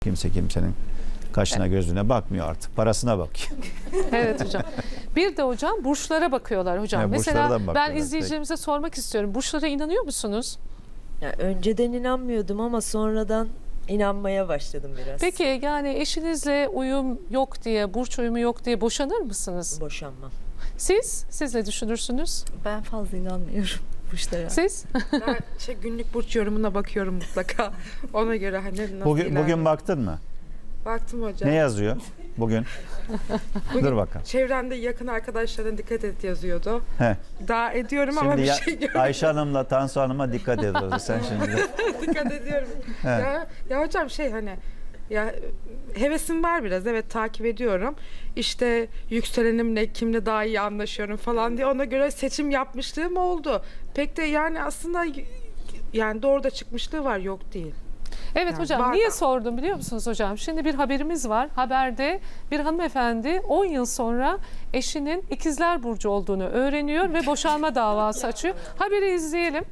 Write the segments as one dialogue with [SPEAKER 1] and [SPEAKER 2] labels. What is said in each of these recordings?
[SPEAKER 1] Kimse kimsenin kaşına gözüne bakmıyor artık. Parasına bakıyor.
[SPEAKER 2] Evet hocam. Bir de hocam burçlara bakıyorlar hocam. Mesela ben izleyicilerimize sormak istiyorum. Burçlara inanıyor musunuz?
[SPEAKER 3] Ya önceden inanmıyordum ama sonradan inanmaya başladım biraz.
[SPEAKER 2] Peki yani eşinizle uyum yok diye, burç uyumu yok diye boşanır mısınız?
[SPEAKER 3] Boşanmam.
[SPEAKER 2] Siz ne düşünürsünüz?
[SPEAKER 4] Ben fazla inanmıyorum burçlara.
[SPEAKER 2] Siz?
[SPEAKER 5] Ben günlük burç yorumuna bakıyorum mutlaka. Ona göre hani nasıl
[SPEAKER 1] Bugün baktın mı?
[SPEAKER 5] Baktım hocam.
[SPEAKER 1] Ne yazıyor bugün? Dur bakalım.
[SPEAKER 5] Çevremde yakın arkadaşlarına dikkat et yazıyordu.
[SPEAKER 1] He.
[SPEAKER 5] Daha ediyorum ama
[SPEAKER 1] Şimdi
[SPEAKER 5] bir şey görmedim.
[SPEAKER 1] Ayşe Hanım'la Tansu Hanım'a dikkat ediyorsun sen şimdi.
[SPEAKER 5] Dikkat ediyorum. ya hocam hani ya hevesim var biraz, evet, takip ediyorum. İşte yükselenimle kimle daha iyi anlaşıyorum falan diye ona göre seçim yapmışlığım oldu. Pek de yani aslında yani doğru da çıkmışlığı var, yok değil.
[SPEAKER 2] Evet
[SPEAKER 5] Yani
[SPEAKER 2] hocam,
[SPEAKER 5] var
[SPEAKER 2] niye
[SPEAKER 5] da.
[SPEAKER 2] sordum biliyor musunuz hocam? Şimdi bir haberimiz var. Haberde bir hanımefendi 10 yıl sonra eşinin ikizler burcu olduğunu öğreniyor ve boşanma davası açıyor. Haberi izleyelim.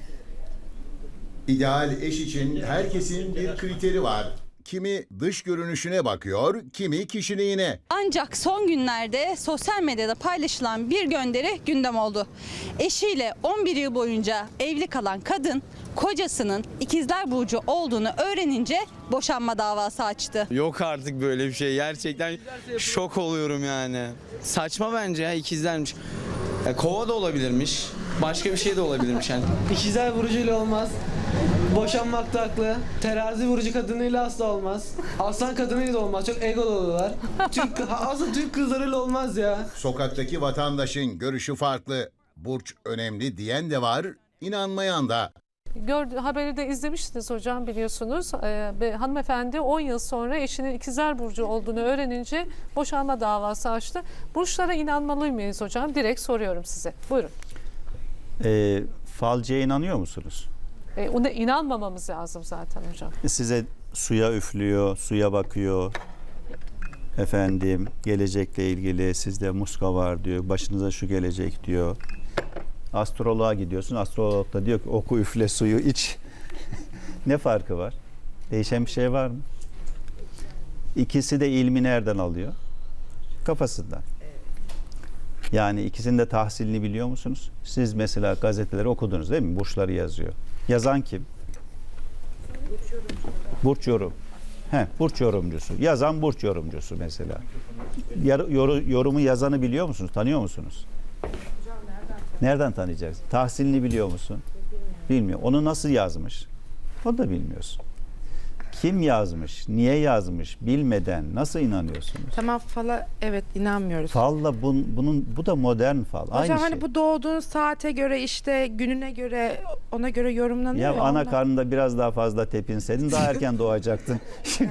[SPEAKER 6] İdeal eş için herkesin bir kriteri var. Kimi dış görünüşüne bakıyor, kimi kişiliğine.
[SPEAKER 7] Ancak son günlerde sosyal medyada paylaşılan bir gönderi gündem oldu. Eşiyle 11 yıl boyunca evli kalan kadın kocasının ikizler burcu olduğunu öğrenince boşanma davası açtı.
[SPEAKER 8] Yok artık böyle bir şey. Gerçekten şok oluyorum yani. Saçma bence ya, ikizlermiş. Ya, kova da olabilirmiş. Başka bir şey de olabilirmiş yani.
[SPEAKER 9] İkizler burcuyla olmaz. Boşanmak da haklı. Terazi burcu kadınıyla asla olmaz. Aslan kadınıyla da olmaz. Çok egolu oluyorlar. Aslında Türk kızlarıyla olmaz ya.
[SPEAKER 6] Sokaktaki vatandaşın görüşü farklı. Burç önemli diyen de var, inanmayan da.
[SPEAKER 2] Haberi de izlemiştiniz hocam, biliyorsunuz. Hanımefendi 10 yıl sonra eşinin ikizler burcu olduğunu öğrenince boşanma davası açtı. Burçlara inanmalı mıyız hocam? Direkt soruyorum size. Buyurun.
[SPEAKER 1] Falcıya inanıyor musunuz?
[SPEAKER 2] Ona inanmamamız lazım zaten hocam.
[SPEAKER 1] Size suya üflüyor, suya bakıyor. Efendim, gelecekle ilgili sizde muska var diyor. Başınıza şu gelecek diyor. Astroloğa gidiyorsun. Astrolog da diyor ki oku, üfle, suyu iç. Ne farkı var? Değişen bir şey var mı? İkisi de ilmi nereden alıyor? Kafasından. Yani ikisinin de tahsilini biliyor musunuz? Siz mesela gazeteleri okudunuz değil mi? Burçları yazıyor. Yazan kim? Burç yorum. Burç yorumcusu. Yazan burç yorumcusu mesela. Yorumu yazanı biliyor musunuz? Tanıyor musunuz? Nereden tanıyacaksın? Tahsilini biliyor musun? Bilmiyor. Onu nasıl yazmış? Onu da bilmiyorsun. Kim yazmış? Niye yazmış? Bilmeden nasıl inanıyorsunuz?
[SPEAKER 5] Tamam, fala evet inanmıyoruz.
[SPEAKER 1] Falla bu da modern fal.
[SPEAKER 5] Hocam
[SPEAKER 1] Aynı
[SPEAKER 5] hani
[SPEAKER 1] şey.
[SPEAKER 5] bu doğduğun saate göre, işte gününe göre, ona göre yorumlanıyor.
[SPEAKER 1] Ya ana
[SPEAKER 5] ondan.
[SPEAKER 1] karnında biraz daha fazla tepinseydin daha erken doğacaktın.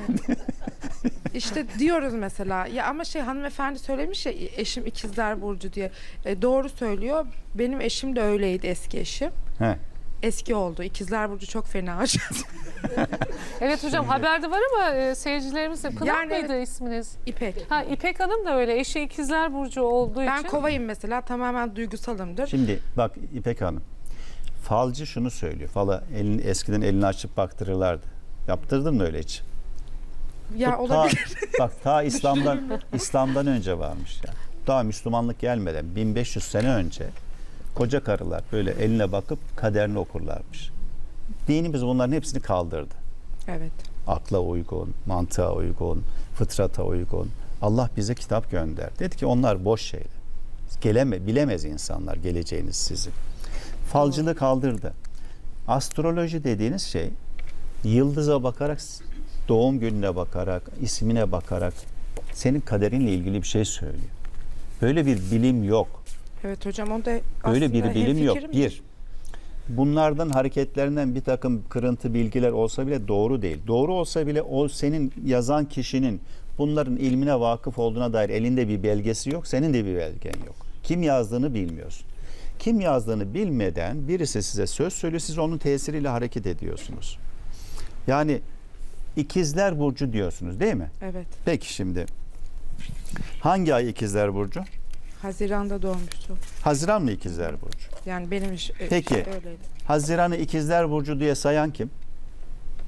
[SPEAKER 5] İşte diyoruz mesela ya, ama hanımefendi söylemiş ya eşim ikizler burcu diye. Doğru söylüyor. Benim eşim de öyleydi, eski eşim.
[SPEAKER 1] He.
[SPEAKER 5] Eski oldu. İkizler burcu çok fena.
[SPEAKER 2] Evet hocam, haberde var ama seyircilerimiz de Pınar
[SPEAKER 5] Yani
[SPEAKER 2] mıydı isminiz?
[SPEAKER 5] İpek.
[SPEAKER 2] İpek Hanım da öyle. Eşi ikizler burcu olduğu
[SPEAKER 5] Ben
[SPEAKER 2] için.
[SPEAKER 5] kovayım mesela, tamamen duygusalımdır.
[SPEAKER 1] Şimdi bak İpek Hanım. Falcı şunu söylüyor. Fala eskiden elini açıp baktırırlardı. Yaptırdın mı öyle hiç?
[SPEAKER 5] Ya
[SPEAKER 1] Bu
[SPEAKER 5] olabilir.
[SPEAKER 1] ta İslam'dan önce varmış yani. Daha Müslümanlık gelmeden 1500 sene önce koca karılar böyle eline bakıp kaderini okurlarmış. Dinimiz bunların hepsini kaldırdı.
[SPEAKER 5] Evet.
[SPEAKER 1] Akla uygun, mantığa uygun, fıtrata uygun. Allah bize kitap gönderdi. Dedi ki onlar boş şeyler. Bilemez insanlar geleceğiniz sizin. Falcılığı kaldırdı. Astroloji dediğiniz şey yıldıza bakarak, doğum gününe bakarak, ismine bakarak senin kaderinle ilgili bir şey söylüyor. Böyle bir bilim yok.
[SPEAKER 5] Evet hocam, o da
[SPEAKER 1] Böyle bir bilim yok.
[SPEAKER 5] hemfikirimdir.
[SPEAKER 1] Bunlardan, hareketlerinden bir takım kırıntı bilgiler olsa bile doğru değil. Doğru olsa bile o senin yazan kişinin bunların ilmine vakıf olduğuna dair elinde bir belgesi yok. Senin de bir belgen yok. Kim yazdığını bilmiyorsun. Kim yazdığını bilmeden birisi size söz söylüyor. Siz onun tesiriyle hareket ediyorsunuz. Yani ikizler burcu diyorsunuz değil mi?
[SPEAKER 5] Evet.
[SPEAKER 1] Peki şimdi hangi ay ikizler burcu?
[SPEAKER 5] Haziran'da doğmuştu.
[SPEAKER 1] Haziran mı ikizler burcu?
[SPEAKER 5] Yani benim
[SPEAKER 1] Peki.
[SPEAKER 5] öyleydi.
[SPEAKER 1] Haziran'ı ikizler burcu diye sayan kim?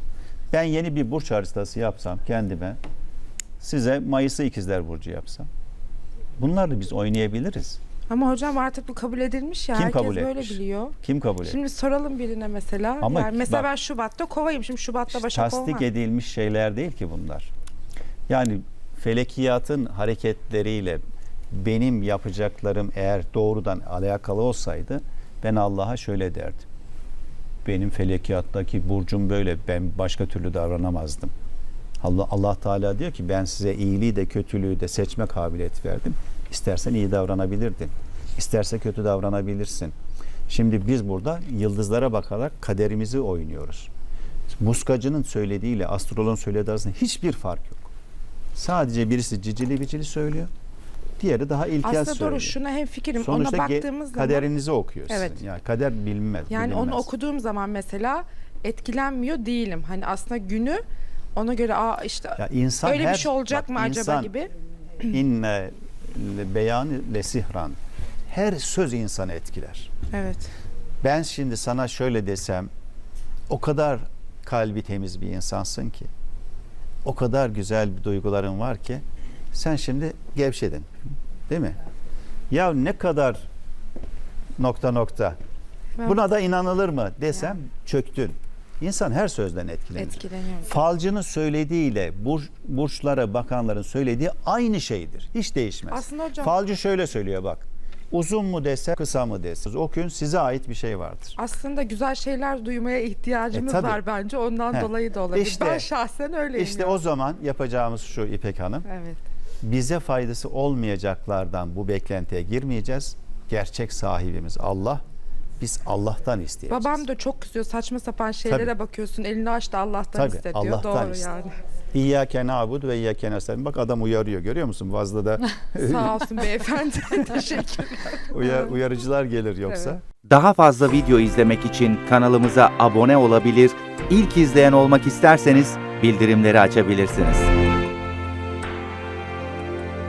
[SPEAKER 1] Ben yeni bir burç haritası yapsam kendime, size Mayıs'ı ikizler burcu yapsam, bunlarla biz oynayabiliriz.
[SPEAKER 5] Ama hocam artık bu kabul edilmiş ya.
[SPEAKER 1] Kim
[SPEAKER 5] Herkes
[SPEAKER 1] kabul
[SPEAKER 5] böyle
[SPEAKER 1] etmiş?
[SPEAKER 5] biliyor.
[SPEAKER 1] Kim kabul etmiş?
[SPEAKER 5] Şimdi soralım birine mesela.
[SPEAKER 1] Ama
[SPEAKER 5] Yani mesela
[SPEAKER 1] bak-
[SPEAKER 5] ben Şubat'ta Kovayım. Şimdi Şubat'ta Başak
[SPEAKER 1] Tasdik
[SPEAKER 5] olmam.
[SPEAKER 1] edilmiş şeyler değil ki bunlar. Yani felekiyatın hareketleriyle benim yapacaklarım eğer doğrudan alakalı olsaydı ben Allah'a şöyle derdim. Benim felekiyattaki burcum böyle, ben başka türlü davranamazdım. Allah Teala diyor ki ben size iyiliği de kötülüğü de seçme kabiliyeti verdim. İstersen iyi davranabilirdin. İsterse kötü davranabilirsin. Şimdi biz burada yıldızlara bakarak kaderimizi oynuyoruz. Muskacının söylediğiyle astroloğun söylediği arasında hiçbir fark yok. Sadece birisi cicili bicili söylüyor. Diğeri daha ilkel
[SPEAKER 5] Aslında
[SPEAKER 1] söylüyor.
[SPEAKER 5] doğru, şuna hemfikirim.
[SPEAKER 1] Sonuçta
[SPEAKER 5] Ona baktığımız zaman
[SPEAKER 1] kaderinizi okuyor sizin.
[SPEAKER 5] Evet.
[SPEAKER 1] Yani kader bilinmez.
[SPEAKER 5] yani onu
[SPEAKER 1] bilinmez.
[SPEAKER 5] okuduğum zaman mesela etkilenmiyor değilim. Hani aslında günü ona göre işte
[SPEAKER 1] Ya insan
[SPEAKER 5] öyle bir şey olacak
[SPEAKER 1] bak,
[SPEAKER 5] mı acaba
[SPEAKER 1] insan,
[SPEAKER 5] gibi.
[SPEAKER 1] İnne beyanı lesihran. Her söz insanı etkiler.
[SPEAKER 5] Evet.
[SPEAKER 1] Ben şimdi sana şöyle desem, o kadar kalbi temiz bir insansın ki, o kadar güzel bir duyguların var ki, sen şimdi gevşedin. Değil mi? Ya ne kadar ... Buna da inanılır mı desem çöktün. İnsan her sözden etkilenir.
[SPEAKER 5] Etkileniyorum.
[SPEAKER 1] Falcının söylediğiyle burçlara bakanların söylediği aynı şeydir. Hiç değişmez.
[SPEAKER 5] Aslında hocam-
[SPEAKER 1] Falcı şöyle söylüyor bak. Uzun mu dese, kısa mı dese. O gün size ait bir şey vardır.
[SPEAKER 5] Aslında güzel şeyler duymaya ihtiyacımız
[SPEAKER 1] tabii.
[SPEAKER 5] var bence. Ondan
[SPEAKER 1] He.
[SPEAKER 5] dolayı da olabilir.
[SPEAKER 1] İşte-
[SPEAKER 5] ben şahsen öyleyim.
[SPEAKER 1] İşte
[SPEAKER 5] yani.
[SPEAKER 1] o zaman yapacağımız şu İpek Hanım.
[SPEAKER 5] Evet.
[SPEAKER 1] Bize faydası olmayacaklardan bu beklentiye girmeyeceğiz. Gerçek sahibimiz Allah. Biz Allah'tan isteyeceğiz.
[SPEAKER 5] Babam da çok kızıyor. Saçma sapan şeylere
[SPEAKER 1] Tabii.
[SPEAKER 5] bakıyorsun. Elini aç da Allah'tan
[SPEAKER 1] Tabii,
[SPEAKER 5] iste diyor.
[SPEAKER 1] Allah'tan
[SPEAKER 5] Doğru
[SPEAKER 1] iste.
[SPEAKER 5] yani.
[SPEAKER 1] İyyâke na'budu ve iyyâke nestaîn. Bak adam uyarıyor, görüyor musun? Fazla da
[SPEAKER 5] Sağ olsun beyefendi. Teşekkürler.
[SPEAKER 1] uyarıcılar gelir yoksa.
[SPEAKER 5] Evet.
[SPEAKER 10] Daha fazla video izlemek için kanalımıza abone olabilir, ilk izleyen olmak isterseniz bildirimleri açabilirsiniz.